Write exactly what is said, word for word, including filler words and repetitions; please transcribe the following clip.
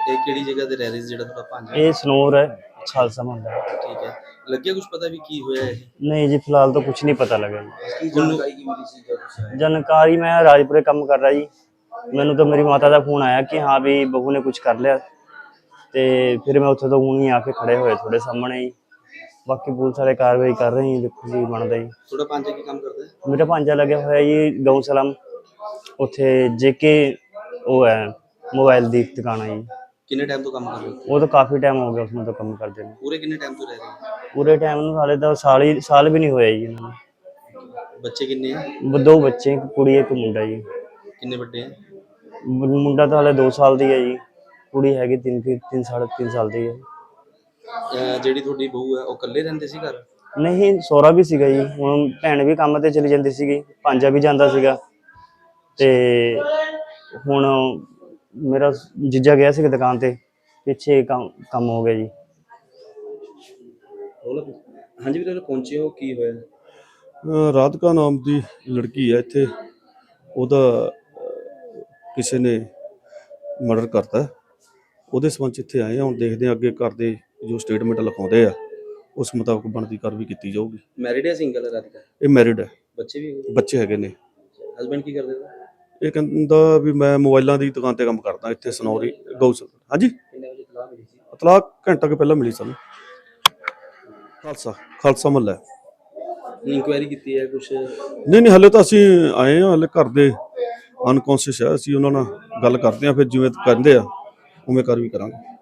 ਇਹ ਕਿਹੜੀ ਜਗ੍ਹਾ ਤੇ ਰਹਿ ਰਹੇ ਸੀ ਜਿਹੜਾ ਤੁਹਾਡਾ ਭਾਂਜਾ? ਇਹ ਸਨੋਰ ਹੈ, ਖਾਲਸਾ ਮੁਹੱਲਾ। ਠੀਕ ਹੈ, ਲੱਗਿਆ ਕੁਝ ਪਤਾ ਵੀ ਕੀ ਹੋਇਆ ਇਹ? नहीं जी, फिलहाल तो कुछ नहीं पता लगा जी। जानकारी की मिली सी जब से आए? जानकारी मैं राजपुरे काम कर रहा जी, मैनू तो मेरी माता का फोन आया कि हाँ भी बहू ने कुछ कर लिया, तो फिर मैं उत्थे तो हूँ ही आके खड़े होए थोड़े सामने ही। बाकी पुलिस वाले कार्रवाई कर रहे हैं, देखो जी बनता जी। थोड़ा भांजा की काम करता है? मेरा भांजा लगे हुआ जी गौ सलाम, उत्थे जेके वो है मोबाइल की दुकान है जी। किन्ने टाइम तो काम कर रहे हो? वो तो काफ़ी टाइम हो गया उसमें तो काम करते हैं। पूरे किन्ने टाइम तो रह रहे हो? पूरे टाइम हाले तो साल ही साल भी नहीं होया जी इन्होंने। बच्चे किन्ने हैं? वो दो बच्चे, एक कुड़ी एक मुंडा जी। किन्ने बड़े हैं? मुंडा तो हाले दो साल दी है जी, कुड़ी हैगी तीन तीन साढ़े तीन साल दी है। ਅਹ ਜਿਹੜੀ ਤੁਹਾਡੀ ਬਹੂ ਹੈ ਉਹ ਇਕੱਲੇ ਰਹਿੰਦੇ ਸੀ ਘਰ? नहीं सौरा भी सीगा जी, हुण भैन भी काम ते चली जाती सीगी, भांजा भी जांदा सीगा, ते हुण मेरा जीजा गया सीगा दुकान ते, पिछे काम काम हो गया जी। हाँ जी ਵੀਰੇ, ਪਹੁੰਚੇ ਹੋ, ਕੀ ਹੋਇਆ? ਅ, ਰਾਧਿਕਾ ਨਾਮ ਦੀ ਲੜਕੀ ਹੈ ਇੱਥੇ, ਉਹਦਾ ਅ, ਕਿਸੇ ਨੇ ਮਰਡਰ ਕਰਤਾ, ਉਹਦੇ ਸੰਬੰਧ 'ਚ ਇੱਥੇ ਆਏ ਹਾਂ। ਹੁਣ ਦੇਖਦੇ ਹਾਂ ਅੱਗੇ ਘਰ ਦੇ ਜੋ ਸਟੇਟਮੈਂਟ ਲਿਖਾਉਂਦੇ ਆ ਉਸ ਮੁਤਾਬਕ ਬਣਦੀ ਕਾਰਵਾਈ ਕੀਤੀ ਜਾਊਗੀ। ਮੈਰਿਡ ਹੈ ਸਿੰਗਲ ਹੈ ਰਾਧਿਕਾ? ਇਹ ਮੈਰਿਡ ਹੈ, ਬੱਚੇ ਵੀ ਹੈਗੇ? ਬੱਚੇ ਹੈਗੇ ਨੇ। ਹਸਬੈਂਡ ਕੀ ਕਰਦੇ ਨੇ? ਇਹ ਕਹਿੰਦਾ ਵੀ ਮੈਂ ਮੋਬਾਈਲਾਂ ਦੀ ਦੁਕਾਨ ਤੇ ਕੰਮ ਕਰਦਾ ਇੱਥੇ ਸਨੌਰੀ ਗਊਸਲ। ਹਾਂਜੀ, ਕਿੰਨੇ ਵਜੇ ਇਤਲਾਹ ਮਿਲੀ ਸੀ? ਇਤਲਾਹ ਘੰਟਾ ਕੁ ਪਹਿਲਾਂ ਮਿਲੀ ਸਾਨੂੰ, ਖਾਲਸਾ ਖਾਲਸਾ ਮੁਹੱਲਾ। ਇਨਕੁਆਇਰੀ ਕੀਤੀ ਹੈ ਕੁਛ? ਨਹੀਂ ਨਹੀਂ, ਹਾਲੇ ਤਾਂ ਅਸੀਂ ਆਏ ਹਾਂ, ਹਾਲੇ ਘਰ ਦੇ ਅਨਕੌਂਸ਼ੀਅਸ ਹੈ, ਅਸੀਂ ਉਹਨਾਂ ਨਾਲ ਗੱਲ ਕਰਦੇ ਹਾਂ, ਫਿਰ ਜਿਵੇਂ ਕਹਿੰਦੇ ਆ ਉਵੇਂ ਕਾਰਵਾਈ ਕਰਾਂਗੇ।